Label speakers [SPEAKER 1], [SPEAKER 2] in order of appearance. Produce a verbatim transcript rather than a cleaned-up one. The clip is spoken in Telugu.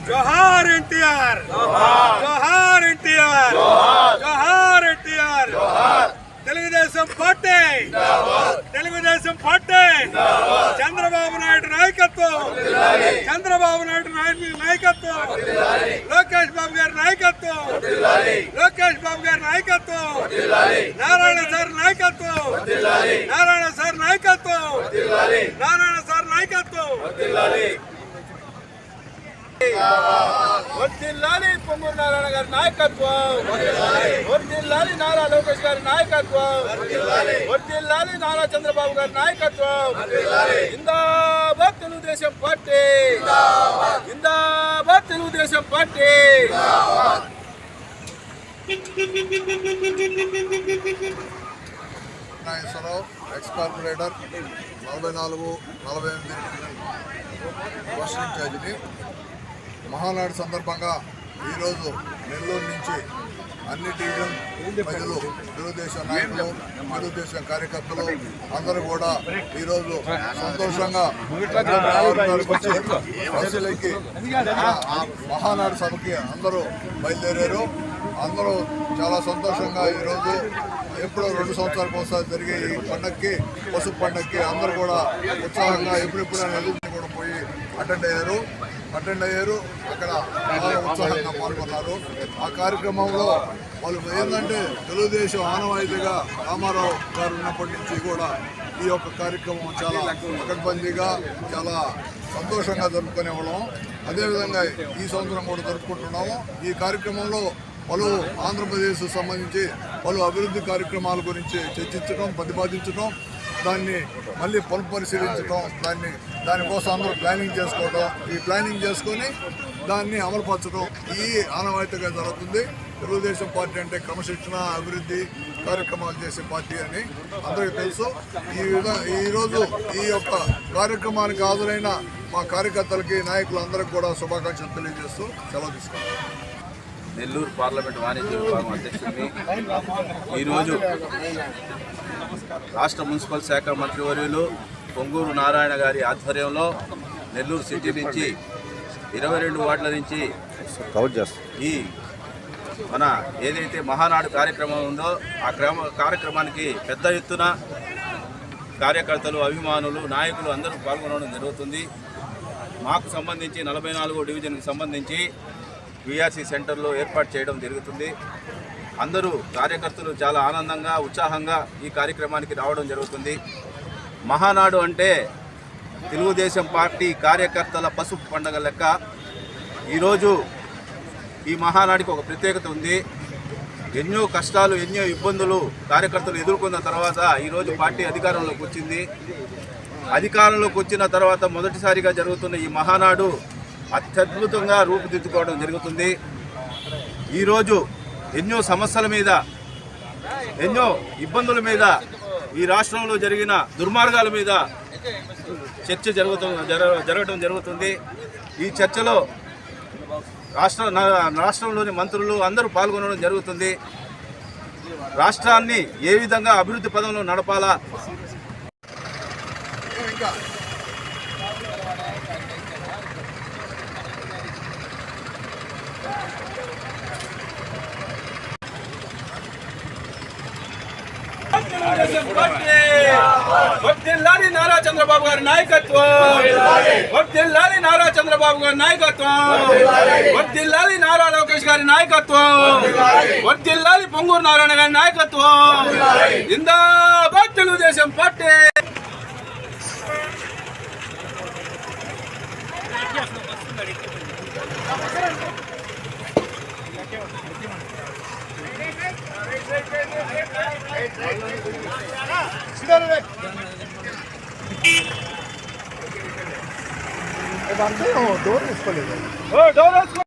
[SPEAKER 1] జోహార్ ఎన్టీఆర్, జోహార్ ఎన్టీఆర్, జోహార్ NTR. Telugu Desam party, Telugu Desam party, Chandrababu Naidu నాయకత్వం, చంద్రబాబు నాయుడు నాయకత్వం, లోకేష్ బాబు గారి నాయకత్వం, లోకేష్ బాబు గారి నాయకత్వం, నారాయణ సార్ నాయకత్వం, నారాయణ సార్ నాయకత్వం, నారాయణ సార్ నాయకత్వం. వర్ధిల్లాలి పొంగూరు నారాయణ గారి నాయకత్వం, వర్ధిల్లాలి నారా లోకేష్ గారి నాయకత్వం, వర్ధిల్లాలి నారా చంద్రబాబు గారి నాయకత్వం. జిందాబాద్ తెలుగుదేశం పార్టీ, జిందాబాద్ Telugu Desam party.
[SPEAKER 2] Nageswara Rao, ex corporator, నలభై నాలుగు నలభై ఎనిమిది రాష్ట్ర ఇన్ఛార్జిని. మహానాడు సందర్భంగా ఈరోజు నెల్లూరు నుంచి అన్ని డివిజన్ ప్రజలు, తెలుగుదేశం నాయకులు, తెలుగుదేశం కార్యకర్తలు అందరూ కూడా ఈరోజు సంతోషంగా వచ్చి బస్సులకి మహానాడు సభకి అందరూ బయలుదేరారు. అందరూ చాలా సంతోషంగా ఈరోజు ఎప్పుడో రెండు సంవత్సరాలకు ఒకసారి జరిగే ఈ పండగకి, పసుపు పండగకి అందరూ కూడా ఉత్సాహంగా ఎప్పుడెప్పుడు అనేది కూడా పోయి అటెండ్ అయ్యారు అటెండ్ అయ్యారు అక్కడ చాలా ఉత్సాహంగా పాల్గొన్నారు. ఆ కార్యక్రమంలో వాళ్ళు ఏంటంటే తెలుగుదేశం ఆనవాయితీగా రామారావు గారు ఉన్నప్పటి నుంచి కూడా ఈ యొక్క కార్యక్రమం చాలా పకడ్బందీగా చాలా సంతోషంగా జరుపుకునేవాళ్ళం. అదేవిధంగా ఈ సంవత్సరం కూడా జరుపుకుంటున్నాము. ఈ కార్యక్రమంలో పలు ఆంధ్రప్రదేశ్ సంబంధించి పలు అభివృద్ధి కార్యక్రమాల గురించి చర్చించడం, ప్రతిపాదించడం, దాన్ని మళ్ళీ పునఃపరిశీలించడం, దాన్ని దానికోసం అందరూ ప్లానింగ్ చేసుకోవడం, ఈ ప్లానింగ్ చేసుకొని దాన్ని అమలుపరచడం ఈ ఆనవాయితీగా జరుగుతుంది. తెలుగుదేశం పార్టీ అంటే క్రమశిక్షణ, అభివృద్ధి కార్యక్రమాలు చేసే పార్టీ అని అందరికీ తెలుసు. ఈ విధంగా ఈరోజు ఈ యొక్క కార్యక్రమానికి హాజరైన మా కార్యకర్తలకి, నాయకులందరికీ కూడా శుభాకాంక్షలు తెలియజేస్తూ సెలవు తీసుకుంటాం.
[SPEAKER 3] నెల్లూరు పార్లమెంట్ వాణిజ్య విభాగం అధ్యక్షుడిని. ఈరోజు రాష్ట్ర మున్సిపల్ శాఖ మంత్రివర్యులు పొంగూరు నారాయణ గారి ఆధ్వర్యంలో నెల్లూరు సిటీ నుంచి ఇరవై రెండు వార్డుల నుంచి ఈ మన ఏదైతే మహానాడు కార్యక్రమం ఉందో ఆ క్రమ కార్యక్రమానికి పెద్ద ఎత్తున కార్యకర్తలు, అభిమానులు, నాయకులు అందరూ పాల్గొనడం జరుగుతుంది. మాకు సంబంధించి నలభై నాలుగో డివిజన్కి సంబంధించి విఆర్సీ సెంటర్లో ఏర్పాటు చేయడం జరుగుతుంది. అందరూ కార్యకర్తలు చాలా ఆనందంగా, ఉత్సాహంగా ఈ కార్యక్రమానికి రావడం జరుగుతుంది. మహానాడు అంటే తెలుగుదేశం పార్టీ కార్యకర్తల పసుపు పండుగ లెక్క. ఈరోజు ఈ మహానాడికి ఒక ప్రత్యేకత ఉంది. ఎన్నో కష్టాలు, ఎన్నో ఇబ్బందులు కార్యకర్తలు ఎదుర్కొన్న తర్వాత ఈరోజు పార్టీ అధికారంలోకి వచ్చింది. అధికారంలోకి వచ్చిన తర్వాత మొదటిసారిగా జరుగుతున్న ఈ మహానాడు అత్యద్భుతంగా రూపుదిద్దుకోవడం జరుగుతుంది. ఈరోజు ఎన్నో సమస్యల మీద, ఎన్నో ఇబ్బందుల మీద, ఈ రాష్ట్రంలో జరిగిన దుర్మార్గాల మీద చర్చ జరుగుతు జరగడం జరుగుతుంది. ఈ చర్చలో రాష్ట్ర రాష్ట్రంలోని మంత్రులు అందరూ పాల్గొనడం జరుగుతుంది. రాష్ట్రాన్ని ఏ విధంగా అభివృద్ధి పదంలో నడపాలా, వర్ధిల్లాలి నారా చంద్రబాబు గారి నాయకత్వం, వర్ధిల్లాలి నారా చంద్రబాబు గారి నాయకత్వం, వర్ధిల్లాలి నారా లోకేష్ గారి నాయకత్వం, వర్ధిల్లాలి పొంగూరు నారాయణ గారి నాయకత్వం. జిందాబాద్ తెలుగుదేశం పార్టీ.
[SPEAKER 2] డోర్ తీసుకోలేదు.